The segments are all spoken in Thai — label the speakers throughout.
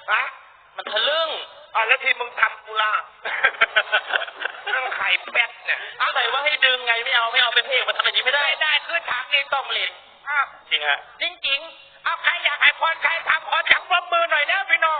Speaker 1: ฮะ
Speaker 2: มันทะลึ่ง
Speaker 1: แล้วที่มึงทำกูล่ะนั่งไข่เป็ดเนี่ย
Speaker 2: เอาไหนว่าให้ดึงไงไม่เอาเป็นเพลงมาทำอย่างนี้ไม่ได้
Speaker 1: คือถามนี่ต้องเล่น
Speaker 2: จริงฮะ
Speaker 1: จริงเอาใครอยากให้พรใครทำขอจับปรบมือหน่อยนะพี่น้อง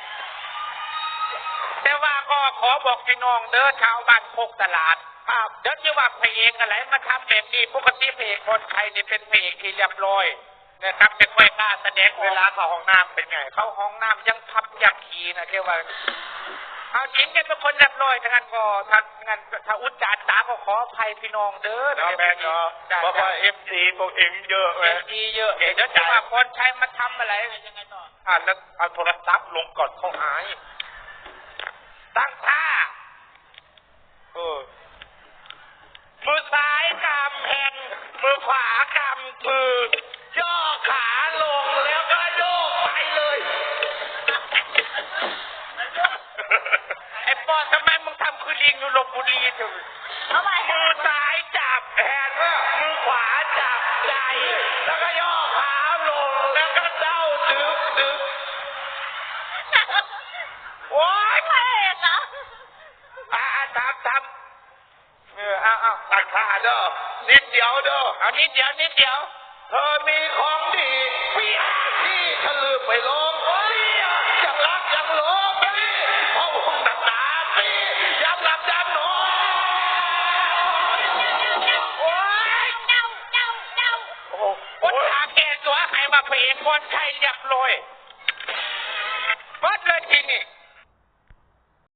Speaker 1: แต่ว่าก็ขอบอกพี่น้องเด้อชาวบ้านโคกตลาดเดี๋ยวจะว่าเพลงอะไรมาทำแบบนี้ปกติเพลงคนไทยนี่เป็นเพลงที่เรียบร้อยนะครับเป็นไม่กล้าแสดงเวลาเข้าห้องน้ำเป็นไงเข้าห้องน้ำยังพับยังขี่นะเรียกว่าเอาจริงแกเป็นคนเรียบร้อยทั้งนั้นก็ถ้าอุจจาระตาก็ขออภัยพี่น้องเด้อนะ
Speaker 2: แม่เนาะเพราะว่าFCพวกเองเยอะเลย
Speaker 1: FC เยอะเดี๋ยวจะว่าคนไทยมาทำอะไรยังไงต่อ
Speaker 2: แล้วเอาโทรศัพท์ลงก่อนเขาหาย
Speaker 1: ตั้งท่ามือซ้ายกำแผ่นมือขวากำปือย่อขาลงแล้วก็โยกไปเลยไอ้ปอทำไมมึงทำคือลิงอยู่ลพบุรีเถอะ
Speaker 3: ทำไม
Speaker 1: มือซ้ายจับแผ่นมือขวาจับใจแล้วก็ย่อขาลงแล้วก็เด้าดึกโอ๊ย
Speaker 3: ไม่นะ
Speaker 1: ทำเอาตัดขาเด้อนิดเดียวเด้อเอานิดเดียวเธอมีของดีพี่ที่ทะลึ่งไปลงจังรักจังหลงเพราะวงหนักหนาพี่ย้ำหลับย้ำนอนโอ้ย
Speaker 3: เจ้า
Speaker 1: คนหาแก่ตัวใครมาเพลงคนไทยเรียบร้อยเปิดเลยทีนี้